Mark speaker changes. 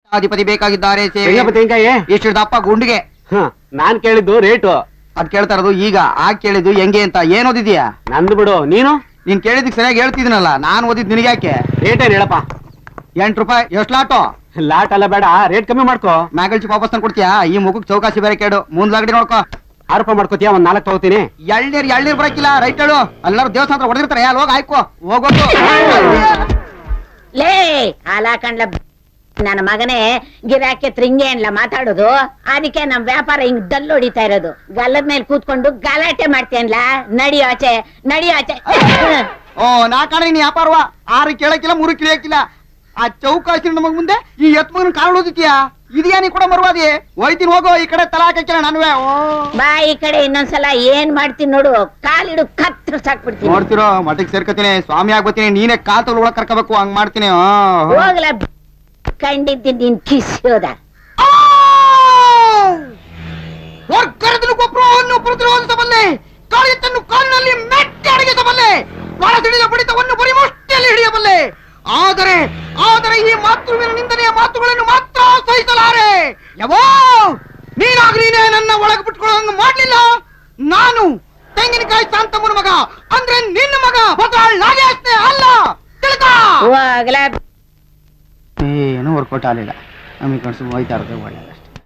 Speaker 1: ಅಧಿಪತಿ ಬೇಕಾಗಿದ್ದಾರೆ
Speaker 2: ತೆಂಗಾಯಿ
Speaker 1: ಎಷ್ಟು ದಪ್ಪ ಗುಂಡಿಗೆ.
Speaker 2: ನಾನ್ ಕೇಳಿದ್ದು ರೇಟು.
Speaker 1: ಅದ್ ಕೇಳ್ತಾ ಇರೋದು ಈಗ. ಕೇಳಿದ್ದು ಹೆಂಗೆ ಅಂತ. ಏನ್ ಓದಿದ್ಯಾ?
Speaker 2: ನಂದು ಬಿಡು.
Speaker 1: ನೀನ್ ಕೇಳಿದಕ್ ಸರಿಯಾಗಿ ಹೇಳ್ತಿದ್ದೀನಲ್ಲ. ನಾನ್ ಓದಿದ್ ನಿನಗೆ ಯಾಕೆ?
Speaker 2: ರೇಟ್ ಏನ್ ಹೇಳಪ್ಪ?
Speaker 1: 8 ರೂಪಾಯಿ. ಎಷ್ಟು ಲಾಟು?
Speaker 2: ಲಾಟ್ ಅಲ್ಲ, ಬೇಡ, ರೇಟ್ ಕಮ್ಮಿ ಮಾಡ್ಕೋ.
Speaker 1: ಮ್ಯಾಗಲ್ಚಿ ವಾಪಸ್ ತಂದು ಕೊಡ್ತೀಯಾ? ಈ ಮುಖಕ್ಕೆ ಚೌಕಾಸಿ ಬೇರೆ ಕೇಡು. ಮುಂದ್ಲಾಗಡಿ ನೋಡ್ಕೋ.
Speaker 2: 6 ರೂಪಾಯಿ ಮಾಡ್ಕೋತೀಯ? ಒಂದ್ 4 ತಗೋತೀನಿ.
Speaker 1: ಎಳ್ನೀರ್ ಬರಕಿಲ್ಲ. ರೈಟ್ ಹೇಳು. ಎಲ್ಲರೂ ದೇವಸ್ಥಾನ ಹೊಡೆದಿರ್ತಾರೆ. ಅಲ್ಲಿ ಹೋಗಿ ಆಯ್ಕೋ. ಹೋಗೋದು
Speaker 3: ಲೇ ಹಾಲಾಕಂಡ್ಲ ನನ್ನ ಮಗನೇ. ಗಿರಾಕಿ ತ್ರಿಂಗೆ ಅನ್ಲ ಮಾತಾಡೋದು. ಅದಕ್ಕೆ ನಮ್ ವ್ಯಾಪಾರ ಹಿಂಗ್ ಡಲ್ ಹೊಡಿತಾ ಇರೋದು. ಗಲ್ಲದ ಮೇಲೆ ಕೂತ್ಕೊಂಡು ಗಲಾಟೆ ಮಾಡ್ತೇನ್ಲ. ನಡಿಯೋ ಆಚೆ.
Speaker 1: ಓ ನಾ ಕಾಣ ನೀ ವ್ಯಾಪಾರವ. 6 ಕೇಳಕ್ಕಿಲ್ಲ, 3 ಕಿಳಿಯಕ್ಕಿಲ್ಲ. ಆ ಚೌಕಾಸಿ ನಮಗ್ ಮುಂದೆ ಈ ಎತ್ಮಗನ ಕಾರಣ ಓದಿದ್ಯಾ? ಇದೆಯಾ ನೀ ಕೂಡ ಮರುವಾದಿ? ಹೋಯ್ತೀನಿ ಹೋಗೋ. ಈ ಕಡೆ ತಲಾ ಹಾಕಿಲ್ಲ ನನ್ವೇ.
Speaker 3: ಬಾ ಈ ಕಡೆ. ಇನ್ನೊಂದ್ಸಲ ಏನ್ ಮಾಡ್ತೀನಿ ನೋಡು. ಕಾಲಿಡು ಕತ್ರ ಸಾಕ್ಬಿಡ್ತೀನಿ.
Speaker 1: ನೋಡ್ತಿರೋ ಮಠಕ್ಕೆ ಸೇರ್ಕತೀನಿ. ಸ್ವಾಮಿ ಆಗ್ಬತ್ತೀನಿ. ನೀನೇ ಕಾಲ್ ತಗೊಳ್ ಒಳಗ್ ಕರ್ಕೋಬೇಕು. ಹಂಗ್ ಮಾಡ್ತೀನಿ.
Speaker 3: ಹೋಗ್ಲ ಕಂಡಿದ್ದೀನಿ ನೀನ್ ಕಿಸಿಯೋದ.
Speaker 1: ಗೊಬ್ಬರವನ್ನು ಪ್ರತಿರೋಧಿಸಬಲ್ಲೆ. ಕಾಳಿತನ್ನು ಕಾಲಿನಲ್ಲಿ ಮೆಟ್ಟಿ ಅಡಗಿಸಬಲ್ಲೆ. ಒಳ ತಿಳಿದ ಬಡಿತವನ್ನು ಬರೀ ಮುಷ್ಟಿಯಲ್ಲಿ ಹಿಡಿಯಬಲ್ಲೆ. ಆದರೆ ಈ ಮಾತೃವಿನ ನಿಂದನೆಯ ಮಾತುಗಳನ್ನು ಮಾತ್ರ ಸಹಿಸಲಾರೆ. ಯವೋ ನೀನೇ ನನ್ನ ಒಳಗೆ ಬಿಟ್ಕೊಳ್ಳೋಂಗ ಮಾಡ್ಲಿಲ್ಲ. ನಾನು ತೆಂಗಿನಕಾಯಿ ಶಾಂತಮ್ಮನ ಮಗ, ಅಂದ್ರೆ ನಿನ್ನ ಮಗ. ನಾಗೇಶ್ನೇ ಅಲ್ಲ.
Speaker 3: ಹೋಗ್ಲ
Speaker 1: ಏನೂ ವರ್ಕೌಟ್ ಆಗಲಿಲ್ಲ. ನಮಗೆ ಕಳ್ಸಿ ಹೋಯ್ತಾ ಇರೋದು ಒಳ್ಳೆ.